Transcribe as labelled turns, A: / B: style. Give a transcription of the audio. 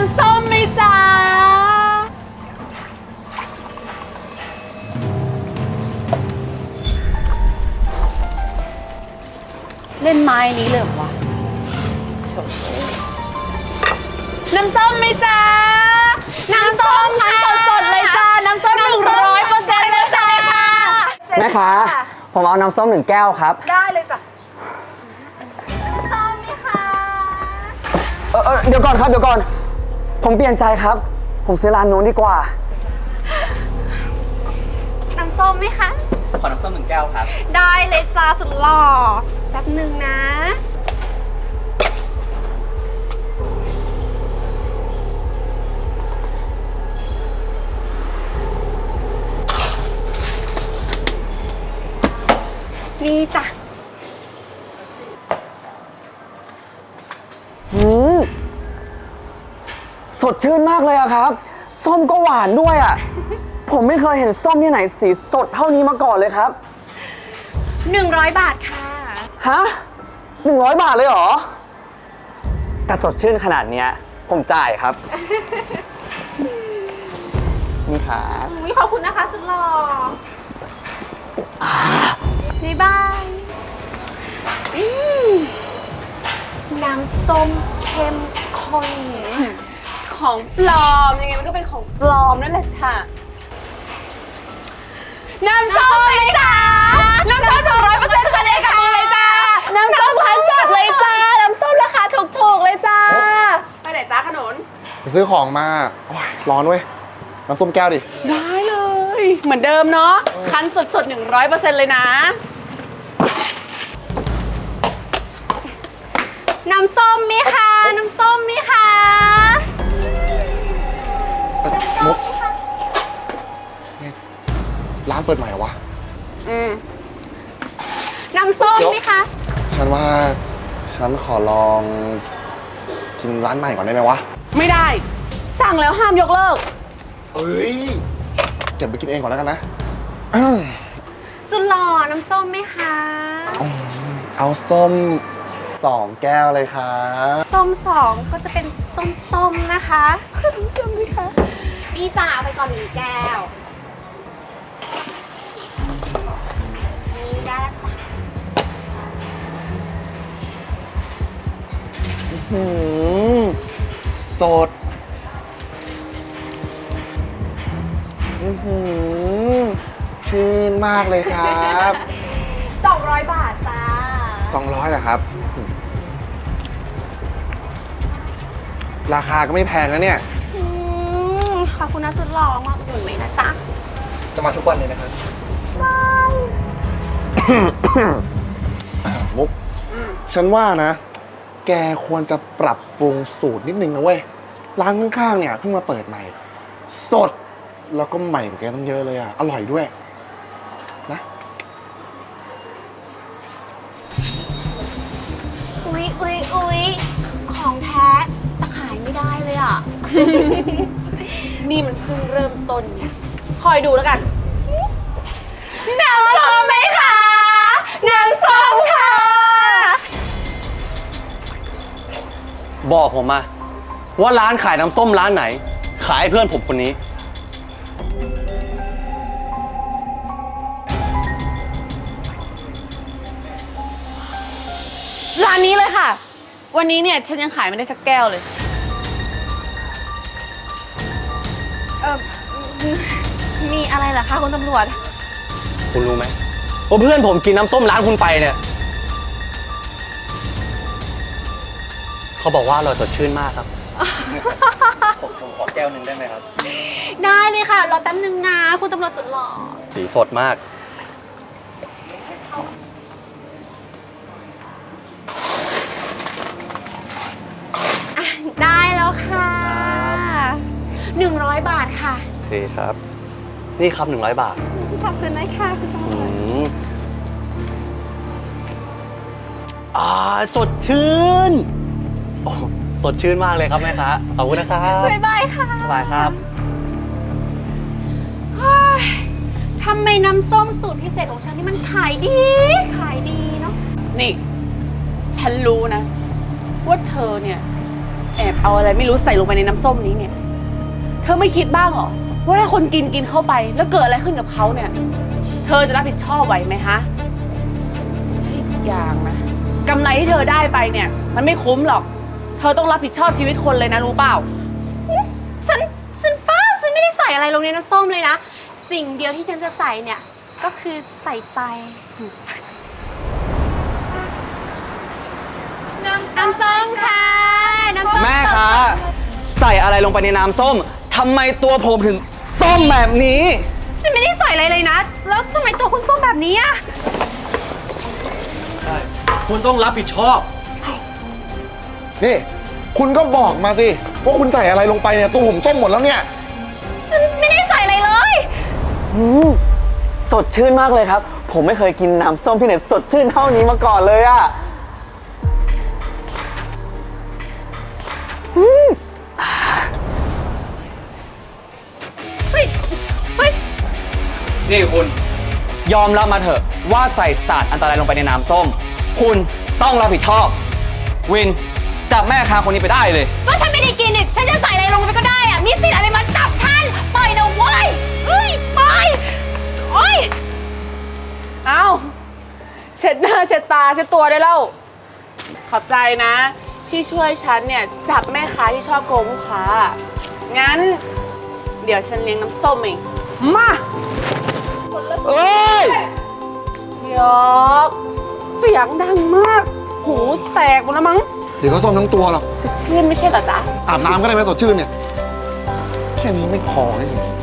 A: ำส้มไหมจ๊ะเล่นไม้นี้เลยเหรอวะโฉน้ำส้มไหมจ๊ะน้ำส้มค่ะสดๆเลยจ้าน้ำส้ม100%เลยจ้า
B: แม่ค้าผมเอาน้ำส้ม1 แก้วครับ
A: ได้เลยจ้ะน้ำส้มไหมคะ
B: เดี๋ยวก่อนครับเดี๋ยวก่อนผมเปลี่ยนใจครับผมซื้อร้านนู้นดีกว่า
A: น้ำส้มไหมคะ
B: ขอน้ำส้ม1 แก้วครับ
A: ได้เลยจ้าสุดหล่อแป๊บหนึ่งนะนี่จ้ะ
B: สดชื่นมากเลยอะครับส้มก็หวานด้วยอะผมไม่เคยเห็นส้มที่ไหนสีสดเท่านี้มาก่อนเลยครับ
A: 100 บาทค่ะ
B: ฮะ100 บาทเลยเหรอแต่สดชื่นขนาดเนี้ยผมจ่ายครับนี่ครับ
A: ขอบคุณนะคะสุดหล่อบ๊ายบายน้ำส้มเข้มข้นของปลอมยังไงมันก็เป็นของปลอมนั่นแหละค่ะน้ำส้มเลยจ้าน้ำส้ม100%คะแนนกับมือเลยจ้าน้ำส้มคั้นสดเลยจ้าน้ำส้มราคาถูกๆเลยจ้าไปไหนจ้าขนุน
C: ไปซื้อของมาโอ้ยร้อนเว้ยน้ำส้มแก้วดิ
A: ได้เลยเหมือนเดิมเนาะคั้นสดๆ100%เลยนะน้ำส้มมีคะน้ำส้มมีคะ
C: มุกร้านเปิดใหม่เหรอวะ
A: น้ำส้มมีคะ
C: ฉันว่าฉันขอลองกินร้านใหม่ก่อนได้ไหมวะ
A: ไม่ได้สั่งแล้วห้ามยกเลิก
C: เอ้ยเก็บไปกินเองก่อนแล้วกันนะ
A: สุดหล่อน้ำส้มไหมคะ
C: เอาส้ม2 แก้วเลยครับ
A: ส้ม2ก็จะเป็นส้มๆนะคะจำไหมคะนี่จ้าเอาไปก่อน1 แก้วนี่ได้แล้วจ้ะ
C: สดชื่นมากเลยครับ
A: 200 บาทจ้า
C: 200เหรอครับราคาก็ไม่แพงนะเนี่ย
A: ขอบคุณนะสุดหล่อมาอุดหนุนเลยนะจ๊ะ
C: จะมาทุกวันเลยนะครับมุกฉันว่านะแกควรจะปรับปรุงสูตรนิดนึงนะเว้ยร้านข้างๆเนี่ยเพิ่งมาเปิดใหม่สดแล้วก็ใหม่กว่าแกต้องเยอะเลยอ่ะอร่อยด้วยนะ
A: อุ๊ยของแท้แต่ขายไม่ได้เลยอ่ะ นี่มันเพิ่งเริ่มต้นเนี่ยคอยดูแล้วกันน้ำส้มไหมคะน้ำส้มค่ะ
B: บอกผมมาว่าร้านขายน้ำส้มร้านไหนขายให้เพื่อนผมคนนี้
A: ร้านนี้เลยค่ะวันนี้เนี่ยฉันยังขายไม่ได้สักแก้วเลยมีอะไรเหรอคะคุณตำรวจ
B: คุณรู้ไหมว่าเพื่อนผมกินน้ำส้มร้านคุณไปเนี่ยเขาบอกว่าอร่อยสดชื่นมากครับผมขอแก้วนึงได้ไหมครับ
A: ได้เลยค่ะรอแป๊บนึงนะคุณตำรวจสุดหล่อ
B: สีสดมาก
A: ได้แล้วค่ะ100 บาทค่ะ
B: โอเคครับนี่ครับ100 บาท
A: ขอบคุณนะคะคุณตำรว
B: จสดชื่นโอ้สดชื่นมากเลยครับแม่ค้าขอบคุณนะครับ
A: บ๊ายบายค่ะ
B: บ๊ายบายครับ
A: ทำไมน้ำส้มสูตรพิเศษของฉันนี่มันขายดีเนาะนี่ฉันรู้นะว่าเธอเนี่ยแอบเอาอะไรไม่รู้ใส่ลงไปในน้ำส้มนี้เนี่ย เธอไม่คิดบ้างเหรอว่าถ้าคนกินเข้าไปแล้วเกิดอะไรขึ้นกับเขาเนี่ย เธอจะรับผิดชอบไหวไหมฮะอีกอย่างนะกำไรที่เธอได้ไปเนี่ย มันไม่คุ้มหรอก เธอต้องรับผิดชอบชีวิตคนเลยนะรู้เปล่า
D: ฉันป้าฉันไม่ได้ใส่อะไรลงในน้ำส้มเลยนะ สิ่งเดียวที่ฉันจะใส่เนี่ย ก็คือใส่ใจ น้ำส้มค่ะ น้ำส้ม
B: แม่คะใส่อะไรลงไปในน้ำส้มทำไมตัวผมถึงส้มแบบนี้
D: ฉันไม่ได้ใส่อะไรเลยนะ แล้วทำไมตัวคุณส้มแบบนี้อะ
E: คุณต้องรับผิดชอบ
C: นี่ คุณก็บอกมาสิว่าคุณใส่อะไรลงไปเนี่ยตัวผมส้มหมดแล้วเนี่ย
D: ฉันไม่ได้ใส่อะไรเลย
B: สดชื่นมากเลยครับ ผมไม่เคยกินน้ำส้มที่ไหนสดชื่นเท่านี้มาก่อนเลยอะ
D: เฮ้ย เฮ้ย
B: นี่คุณยอมรับมาเถอะว่าใส่สารอันตรายลงไปในน้ำส้ม คุณต้องรับผิดชอบ วินจับแม่ค้าคนนี้ไปได้เลย
D: ก็ฉันไม่ได้กินนี่ฉันจะใส่อะไรลงไปก็ได้อะมีสิทธิ์อะไรมาจับฉัน ปล่อยนะเว้ยเอ้ยปล่อยโอ้ย
A: เอ้า เช็ดหน้าเช็ดตาเช็ดตัวได้แล้ว ขอบใจนะ ที่ช่วยฉันเนี่ยจับแม่ค้าที่ชอบโกงลูกค้า งั้น เดี๋ยวฉันเลี้ยงน้ำส้มเองมา
B: เอ้ย
A: ยกเสียงดังมาก หูแตกหมดแล้วมั้ง
C: เดี๋ยวก็ส้มทั้งตัวหรอก
A: สดชื่นไม่ใช่เหรอจ๊ะ
C: อาบน้ำก็ได้ไหมสดชื่นเนี่ย แค่นี้ไม่พอนี่จริง